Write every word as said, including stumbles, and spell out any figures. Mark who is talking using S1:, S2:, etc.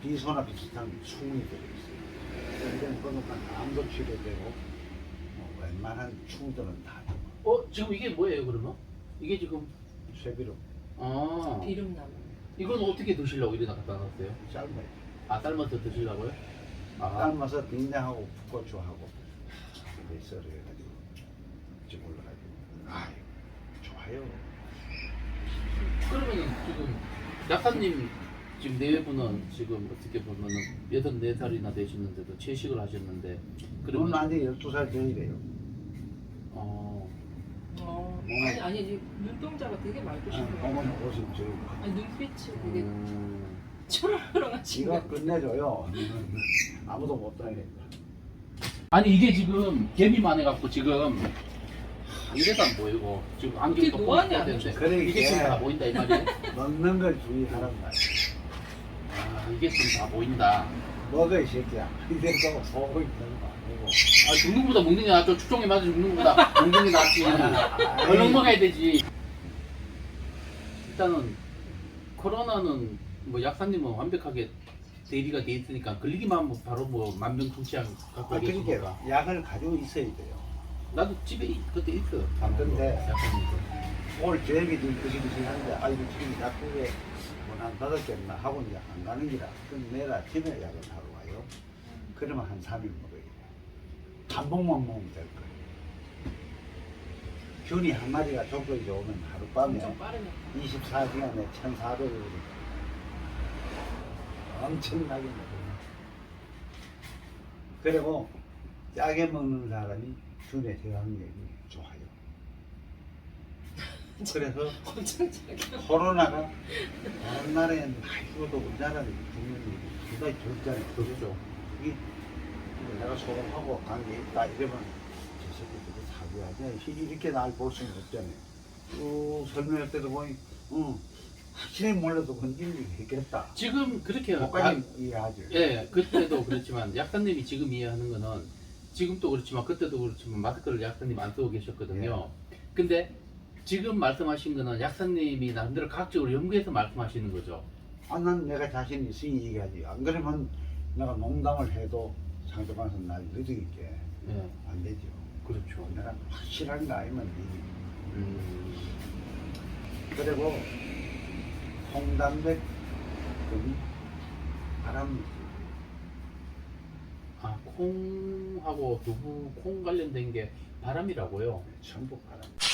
S1: 비소나 비슷한 충이 들어있어요. 이런 거는 암도 치료되고 뭐 웬만한 충들은 다 죽어.
S2: 어 지금 이게 뭐예요 그러면? 이게 지금
S1: 쇠비로
S2: 아
S3: 비름나무.
S2: 이건 어떻게 드시려고 이리 갖다 놨어요?
S1: 삶아요.
S2: 아 삶아서 드시려고요? 아
S1: 삶아서 된장하고 풋고추하고 이렇게 썰어가지고 좀 올라가지고 아 좋아요.
S2: 그러면은 지금 약사님 지금 내외분은 지금 어떻게 보면은 여든네 살이나 되시는데도 채식을 하셨는데
S1: 그러면
S2: 그러면
S1: 나한테 열두 살 전이래요.
S2: 어
S3: 어.
S1: 뭐.
S3: 아니 아니 이 눈동자가 되게 맑으신 거예요.
S1: 어머니 옷은 저
S3: 아니 눈빛이 되게
S2: 음,
S3: 초롱초롱하신
S1: 지가
S3: 거.
S1: 끝내줘요. 아무도 못 다니니까.
S2: 아니 이게 지금 개비만 해갖고 지금 이래도 안 보이고 지금 안경
S3: 어떻게
S2: 또
S3: 노안이
S2: 벗어야
S3: 안
S2: 되는데
S1: 그래,
S2: 이게
S1: 이게.
S2: 지금 다 보인다 이 말이에요?
S1: 먹는 걸 주의하란 말이야.
S2: 아 이게 지금 다 보인다.
S1: 먹어 이 새끼야. 이래서 보고 있는 거 아니고.
S2: 아 죽는 것보다 먹는 게 낫죠. 축종에 맞아 죽는 것보다 먹는 게 낫지. 얼른 먹어야 되지. 일단은 코로나는 뭐 약사님은 완벽하게 대비가 돼 있으니까 걸리기만 하면 바로 뭐 만병통치약 갖고
S1: 아,
S2: 계신
S1: 그러니까
S2: 거가.
S1: 약을 가지고 있어야 돼요.
S2: 나도 집에 그때 있어.
S1: 근데
S2: 약사님도.
S1: 오늘 저녁에 좀 그시그시한데 아 이거 지금 약국에 뭐한 다섯 개나 하고 이제 안 가는 기라. 그럼 내일 아침에 약을 하러 와요. 그러면 한 삼 일 먹어요. 한 봉만 먹으면 될 거예요. 균이 한 마리가 족적이 오면 하룻밤에
S3: 엄청 빠르네.
S1: 이십사 시간에 천사백을 엄청나게 먹어요. 그리고 짜게 먹는 사람이 균의 저항력이 좋아요. 그래서
S3: 엄청 작게.
S1: 코로나가 다른 나라에는 많이 죽어도 우리나라는 죽는 일이 굉장히 적잖아요.
S2: 그렇죠.
S1: 이게 내가 소송하고 관계 있다 이러면 저 새끼들이 사기하지 이렇게 날 볼 수는 없잖아요. 쭉 설명할 때도 보니 응, 확실히 몰라도 건진이 했겠다.
S2: 지금 그렇게
S1: 목까지 이해하죠.
S2: 예, 그때도 그렇지만 약사님이 지금 이해하는 거는 지금도 그렇지만 그때도 그렇지만 마스크를 약사님 안 쓰고 계셨거든요. 근데 지금 말씀하신 거는 약사님이 나름대로 과학적으로 연구해서 말씀하시는 거죠.
S1: 아, 난 내가 자신 있으니 얘기하지. 안 그러면 내가 농담을 해도 상대방에서 날 느리게
S2: 예,
S1: 안 되죠.
S2: 그렇죠.
S1: 내가 확실한 거 아니면 되지.
S2: 음,
S1: 그리고 홍담백 금이 바람
S2: 아 콩하고 두부 콩 관련된 게 바람이라고요.
S1: 전부 바람.